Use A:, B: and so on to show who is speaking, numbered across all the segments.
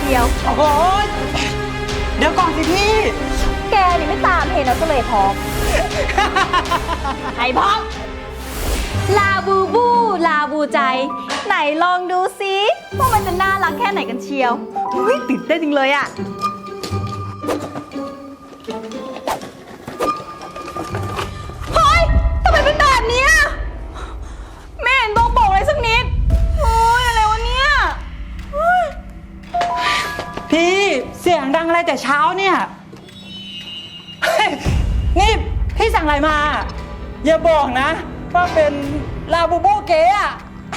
A: ชียว
B: โอ้โหเดี๋ยวก่อนสิพี่
A: แกนี่ไม่ตามเห็นแล้วก็เลยพร้อม ไอ้พร้อมลาบูบูลาบูใจไหนลองดูซิว่ามันจะน่ารักแค่ไหนกันเชียวอุ้ยตื่นเต้นจริงเลยอะเฮ้ยทำไมเป็นแบบนี้ไม่เห็นต้องบอกเลยสักนิดโอ้ยอะไรวะเนี่ย
B: พี่เสียงดังอะไรแต่เช้าเนี่ยนี่พี่สั่งอะไรมา อย่าบอกนะว่าเป็นลาบูบูเก๋อะ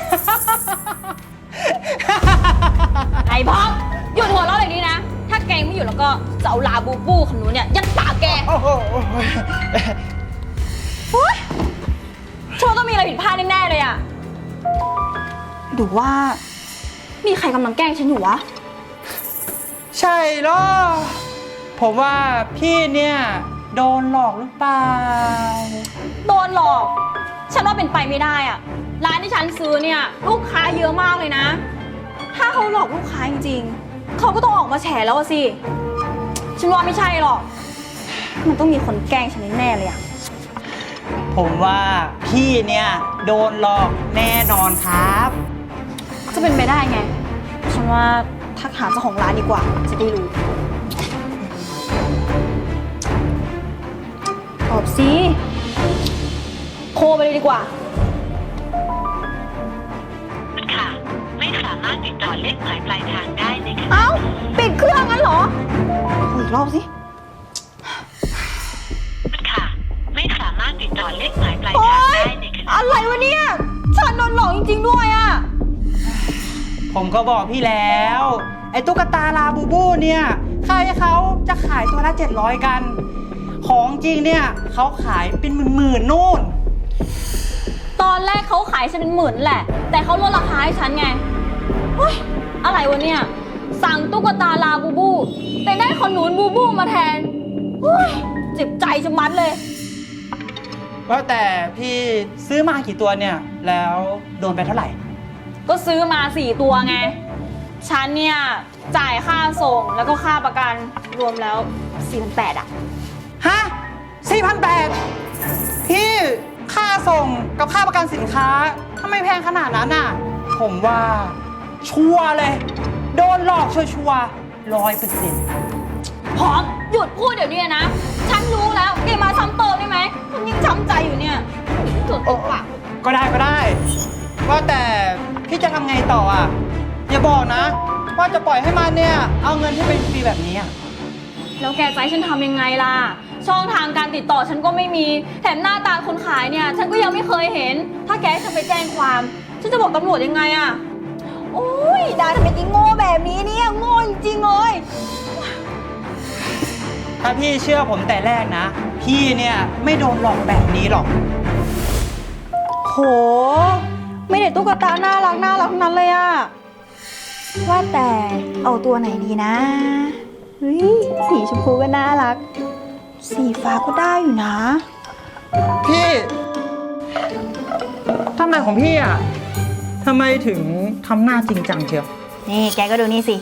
A: ไอ้พร้อมหยุดหัวเราะอย่างนี้นะถ้าแกไม่อยู่แล้วก็จะเอาลาบูบูคนนู้นเนี่ยยัดปากแก
B: โอ้โห
A: ชัวร์ต้องมีอะไรผิดพลาดแน่ๆเลยอะหรือว่ามีใครกำลังแกล้งฉันอยู่วะ
B: ใช่เหรอผมว่าพี่เนี่ยโดนหลอกหรือเปล่า
A: โดนหลอกฉันว่าเป็นไปไม่ได้อะร้านที่ฉันซื้อเนี่ยลูกค้าเยอะมากเลยนะถ้าเขาหลอกลูกค้าจริงๆเขาก็ต้องออกมาแฉแล้วอะสิฉันว่าไม่ใช่หรอกมันต้องมีคนแกล้งฉันแน่ๆเลยอะ
B: ผมว่าพี่เนี่ยโดนหลอกแน่นอนครับ
A: จะเป็นไปได้ไงฉันว่าทักหาเจ้าของร้านดีกว่าจะได้รู้ตอบสิโทรไปเลยดีกว่า
C: ค่ะไม่สามารถติดต่อเลขหมายปลายทางได้ในขณะ
A: เอ้าปิดเครื่องงั้นเหรออีกรอบสิ
C: ค่ะไม่สามารถติดต่อเลขหมายปลาย
A: โอ๊
C: ทาง
A: ย
C: ได้ในขณะ
A: อะไรวะเนี่ยฉันโดนหลอกจริงๆด้วยอะ
B: ผมก็บอกพี่แล้ว ไอ้ตุ๊กตาลาบูบูเนี่ยใครเขาจะขายตัวละ700กัน ของจริงเนี่ยเขาขายเป็นหมื่นๆนู่น
A: ตอนแรกเขาขายฉันเป็นหมื่นแหละแต่เขาลดราคาให้ฉันไงเฮ้ยอะไรวะเนี่ยสั่งตุ๊กตาลาบูบูแต่ได้ขนุนบูบูมาแทนเฮ้ยเจ็บใจชะมัดเลย
B: ว่าแต่พี่ซื้อมากี่ตัวเนี่ยแล้วโดนไปเท่าไหร่
A: ก็ซื้อมา4ตัวไงฉันเนี่ยจ่ายค่าส่งแล้วก็ค่าประกันรวมแล้ว4,800อะ
B: ฮะ 4,800 พี่ค่าส่งกับค่าประกันสินค้าทำไมแพงขนาดนั้นน่ะผมว่าชัวร์เลย โดนหลอกชัวร์100%
A: พร้อมหยุดพูดเดี๋ยวนี้นะฉันรู้แล้วแกมาซ้ำเติมได้ไหมมันยิ่งช้ำใจอยู่เนี่ยสุดปาก
B: ก็ได้ว่าแต่พี่จะทำไงต่ออ่ะอย่าบอกนะ ว่าจะปล่อยให้มันเนี่ยเอาเงินที่เป็นฟรีแบบนี้อ่ะ
A: แล้วแกจะให้ฉันทำยังไงล่ะช่องทางการติดต่อฉันก็ไม่มีแถมหน้าตาคนขายเนี่ยฉันก็ยังไม่เคยเห็นถ้าแกให้ฉันไปแจ้งความฉันจะบอกตำรวจยังไงอะโอ้ยดาทำไมจริงโง่แบบนี้เนี่ยโง่จริงเลย
B: ถ้าพี่เชื่อผมแต่แรกนะ พี่เนี่ยไม่โดนหลอกแบบนี้หรอก
A: โหไม่ได้ตุ๊กตาน่ารักทั้งนั้นเลยอะว่าแต่เอาตัวไหนดีนะเฮ้ยสีชมพูก็น่ารักสีฟ้าก็ได้อยู่นะ
B: พี่ทำไมของพี่อ่ะทำไมถึงทำหน้าจริงจังเชียว
A: นี่แกก็ดูนี่สิ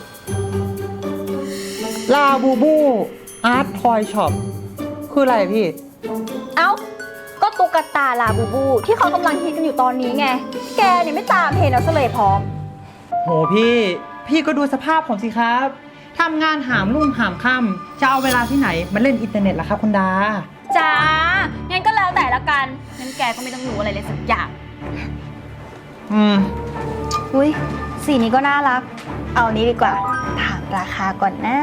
B: ลาบูบูอาร์ตทอยช็อปคืออะไรพี่
A: เอ้าก็ตุ๊กตาลาบูบูที่เขากำลังฮิตกันอยู่ตอนนี้ไงแกเนี่ยไม่ตามเห็นแล้วซะเลยพร้อม
B: โหพี่ก็ดูสภาพผมสิครับทำงานหามรุ่งหามค่ำจะเอาเวลาที่ไหนมาเล่นอินเทอร์เน็ตล่ะครับคุณดา
A: จ้างั้นก็แล้วแต่ละกันงั้นแกก็ไม่ต้องรู้อะไรเลยสักอย่าง อุ้ยสีนี้ก็น่ารักเอานี้ดีกว่าถามราคาก่อนนะ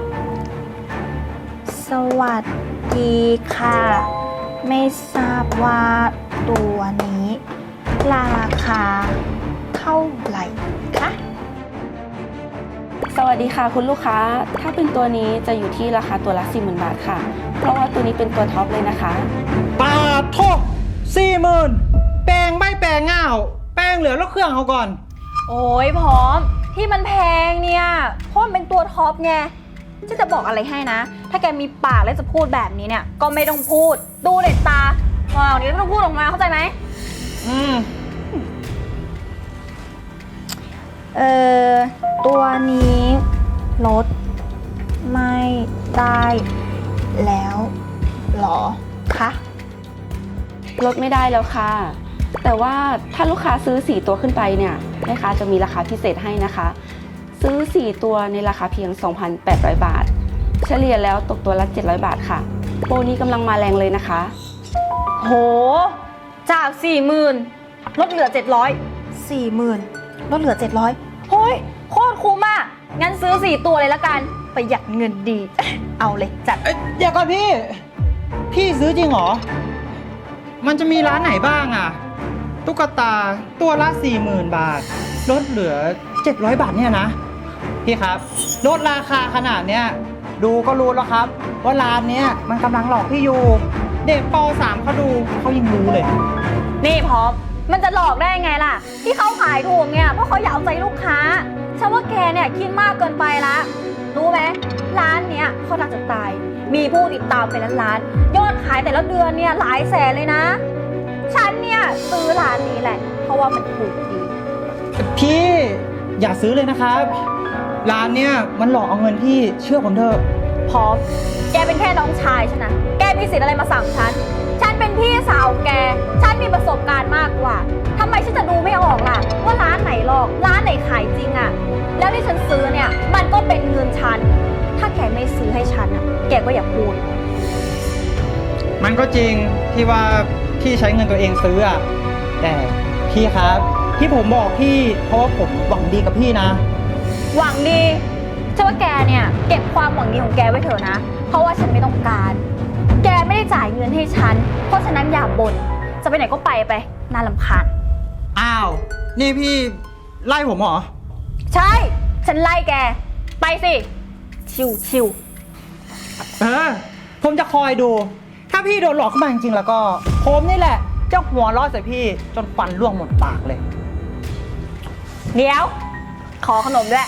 A: สวัสดีค่ะไม่ทราบว่าตัวนี้ราคาเท่าไหร่คะ
D: สวัสดีค่ะคุณลูกค้า ถ้าเป็นตัวนี้จะอยู่ที่ราคาตัวละ 40,000 บาทค่ะ เพราะว่าตัวนี้เป็นตัวท็อปเลยนะคะ
B: ปาโท40,000แปลงไม่แปลงง่าวแปลงเหลือแล้วเครื่องเอาก่อน
A: โอ้ยพร้อมที่มันแพงเนี่ยเพราะมันเป็นตัวท็อปไงจะบอกอะไรให้นะ ถ้าแกมีปากแล้วจะพูดแบบนี้เนี่ยก็ไม่ต้องพูดดูเด็ดตาว้าวนี้ไม่ต้องพูดออกมาเข้าใจไหม ตัวนี้ลดไม่ได้แล้วเหรอคะ
D: ลดไม่ได้แล้วค่ะ แต่ว่าถ้าลูกค้าซื้อ4ตัวขึ้นไปเนี่ยแม่ค้าจะมีราคาพิเศษให้นะคะ ซื้อ4ตัวในราคาเพียง 2,800 บาท เฉลี่ยแล้วตกตัวละ700 บาทค่ะ โปรนี้กำลังมาแรงเลยนะคะ
A: โห จาก 40,000 ลดเหลือ 700 40,000 ลดเหลือ 700โฮ้ยโคตรคุ้มอ่ะ งั้นซื้อ 4 ตัวเลยละกัน ประหยัดเงินดี เอาเลยจัด
B: เดี๋ยวก่อนพี่ พี่ซื้อจริงเหรอ มันจะมีร้านไหนบ้างอะตุ๊กตาตัวละ 40,000 บาท ลดเหลือ 700 บาทเนี่ยนะ พี่ครับ ลดราคาขนาดเนี้ย ดูก็รู้แล้วครับ ว่าร้านเนี้ยมันกำลังหลอกพี่อยู่ เด็กป .3 เขาดูเขายังรู้เลย
A: นี่พร้อม มันจะหลอกได้ไงล่ะ ที่เขาขายถูกเนี่ย เพราะเขาอยากเอาใจลูกค้า ฉันว่าแกเนี่ยคิดมากเกินไปละ รู้ไหมร้านเนี้ยเขาดังจะตาย มีผู้ติดตามเป็นล้านๆยอดขายแต่ละเดือนเนี่ยหลายแสนเลยนะ ฉันเนี่ยซื้อร้านนี้แหละ เพราะว่ามันถูกดี
B: พี่อย่าซื้อเลยนะครับ ร้านเนี้ยมันหลอกเอาเงินพี่เชื่อผมเถอะ
A: พร้อม แกเป็นแค่น้องชายฉันนะ แกมีสิทธิ์อะไรมาสั่งฉัน ฉันเป็นพี่สาวแก ฉันมีประสบการณ์มากกว่า ทำไมฉันจะดูไม่ออกล่ะ ว่าร้านไหนหลอก ร้านไหนขายจริงอะแล้วที่ฉันซื้อเนี่ย มันก็เป็นเงินฉัน ถ้าแกไม่ซื้อให้ฉันอะแกก็อย่าพูด
B: มันก็จริงที่ว่าพี่ใช้เงินตัวเองซื้ออะแต่พี่ครับที่ผมบอกพี่เพราะว่าผมหวังดีกับพี่นะ
A: หวังดีฉันว่าแกเนี่ยเก็บความหวังดีของแกไว้เถอะนะ เพราะว่าฉันไม่ต้องการ แกไม่ได้จ่ายเงินให้ฉัน เพราะฉะนั้นอย่าบ่น จะไปไหนก็ไปน่ารำคาญ
B: อ้าว นี่พี่ไล่ผมเหรอ
A: ใช่ ฉันไล่แก ไปสิ ชิว
B: ผมจะคอยดู ถ้าพี่โดนหลอกเข้ามาจริงๆแล้วก็ ผมนี่แหละเจ้าหัวล้อใส่พี่จนฟันร่วงหมดปากเลย
A: เดี๋ยว ขอขนมด้วย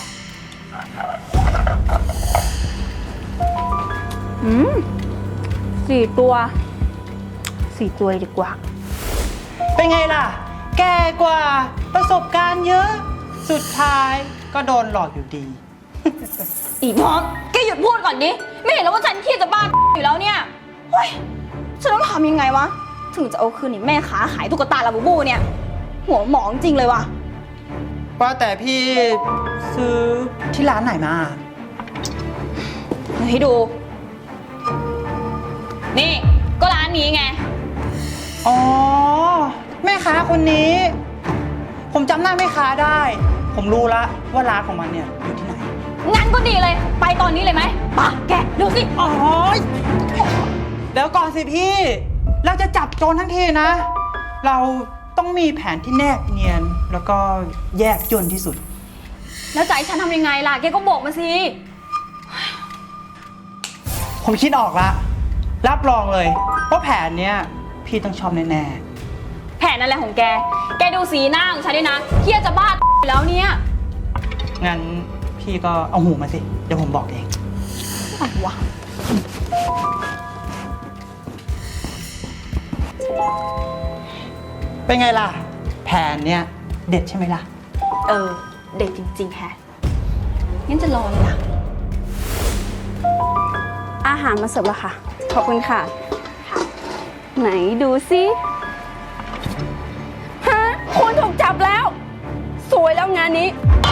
A: 4 ตัวเลยดีกว่า
B: เป็นไงล่ะ แกกว่าประสบการณ์เยอะ สุดท้ายก็โดนหลอกอยู่ดี
A: อีมอสแกหยุดพูดก่อนดิ ไม่เห็นแล้วว่าฉันเครียดจะบ้าอยู่แล้วเนี่ยเฮ้ยฉันต้องทำยังไงวะ ถึงจะเอาคืนนี่แม่ค้าขายตุ๊กตาลาบูบูเนี่ย หัวหมองจริงเลยว่ะ
B: ว่าแต่พี่ซื้อที่ร้านไหนมา
A: เดี๋ยวให้ดู นี่ก็ร้านนี้ไง
B: อ๋อ แม่ค้าคนนี้ ผมจำหน้าแม่ค้าได้ ผมรู้ละว่าร้านของมันเนี่ยอยู่ที่ไหน
A: งั้นก็ดีเลย ไปตอนนี้เลยไหมปะแกเร็วสิ
B: อ๋อเดี๋ยวก่อนสิพี่ เราจะจับโจรทั้งทีนะ เราต้องมีแผนที่แนบเนียน แล้วก็แยกจนที่สุด
A: แล้วจะให้ฉันทำยังไงล่ะ แกก็บอกมาสิ
B: ผมคิดออกละ รับรองเลยว่าแผนเนี้ยพี่ต้องชอบแน่
A: แผนอะไรของแก แกดูสีหน้าของฉันด้วยนะ เครียดจะบ้าอยู่แล้วเนี่ย
B: ๆ งั้นพี่ก็เอาหูมาสิ เดี๋ยวผมบอกเอง
A: อะไรวะ
B: เป็นไงล่ะ แผนเนี้ยเด็ดใช่ไหมล่ะ
A: เด็กจริงๆแฮะงั้นจะรอเลยล่ะ
D: อาหารมาเสิร์ฟแล้วค่ะ ขอบคุณค่ะ ไหนดูสิฮะคุณถูกจับแล้ว สวยแล้วงานนี้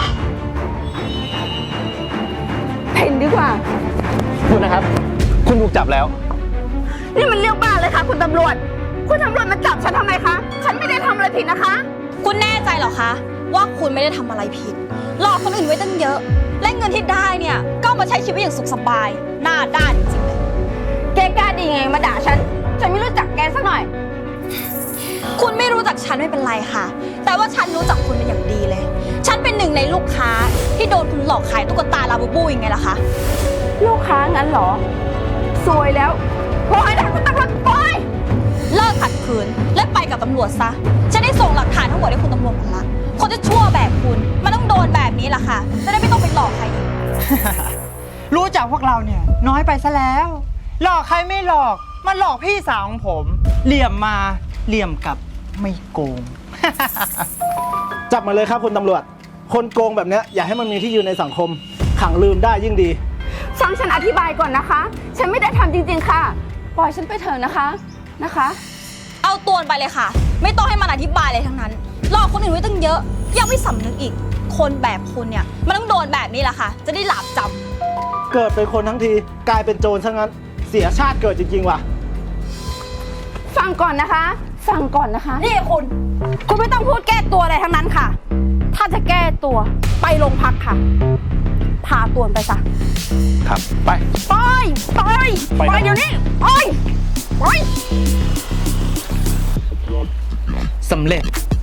D: เพ่นดีกว่า
E: คุณนะครับ คุณถูกจับแล้ว
D: นี่มันเรื่องบ้าเลยค่ะ คุณตำรวจ คุณตำรวจมาจับฉันทำไมคะ ฉันไม่ได้ทำอะไรผิดนะคะ
A: คุณแน่ใจเหรอคะ ว่าคุณไม่ได้ทำอะไรผิด หลอกคนอื่นไว้ตั้งเยอะ และเงินที่ได้เนี่ยก็เอามาใช้ชีวิตอย่างสุขสบาย หน้าด้านจริงๆเลย
D: แกกล้าดีไงมาด่าฉัน ฉันไม่รู้จักแกสักหน่อย
A: คุณไม่รู้จักฉันไม่เป็นไรค่ะ แต่ว่าฉันรู้จักคุณเป็นอย่างดีเลย ฉันเป็นหนึ่งในลูกค้าที่โดนคุณหลอกขายตุ๊กตาลาบูบูยังไงล่ะคะ
D: ลูกค้างั้นเหรอ สวยแล้วปล่อยนะคุณตำรวจปล่อย
A: เลิกขัดขืนและไปกับตำรวจซะ ฉันได้ส่งหลักฐานทั้งหมดให้คุณตำรวจหมดละ คนจะชั่วแบบคุณมันต้องโดนแบบนี้ล่ะค่ะ จะได้ไม่ต้องไปหลอกใครอีก
B: รู้จักพวกเราเนี่ยน้อยไปซะแล้ว หลอกใครไม่หลอก มันหลอกพี่สาวของผม เหลี่ยมมาเหลี่ยมกลับไม่โกง
E: จับมาเลยครับคุณตำรวจ คนโกงแบบเนี้ยอย่าให้มันมีที่ยืนในสังคมขังลืมได้ยิ่งดี
D: ฟังฉันอธิบายก่อนนะคะ ฉันไม่ได้ทำจริงๆค่ะ ปล่อยฉันไปเถอะนะคะ
A: เอาตัวไปเลยค่ะ ไม่ต้องให้มันอธิบายเลยทั้งนั้นหลอกคนอื่นไว้ตั้งเยอะยังไม่สำนึกอีก คนแบบคุณเนี่ยมันต้องโดนแบบนี้แหละค่ะ จะได้หลาบจำ
E: เกิดเป็นคนทั้งทีกลายเป็นโจรซะงั้น เสียชาติเกิดจริงๆว่ะ
D: ฟังก่อนนะคะ
A: นี่คุณ
D: คุณไม่ต้องพูดแก้ตัวอะไรทั้งนั้นค่ะ ถ้าจะแก้ตัวไปโรงพักค่ะ พาตัวไปซะ
E: ครับ ไป
D: ไป
E: ไปนะ
D: เดี๋ยวนี้ไป
B: สำเร็จ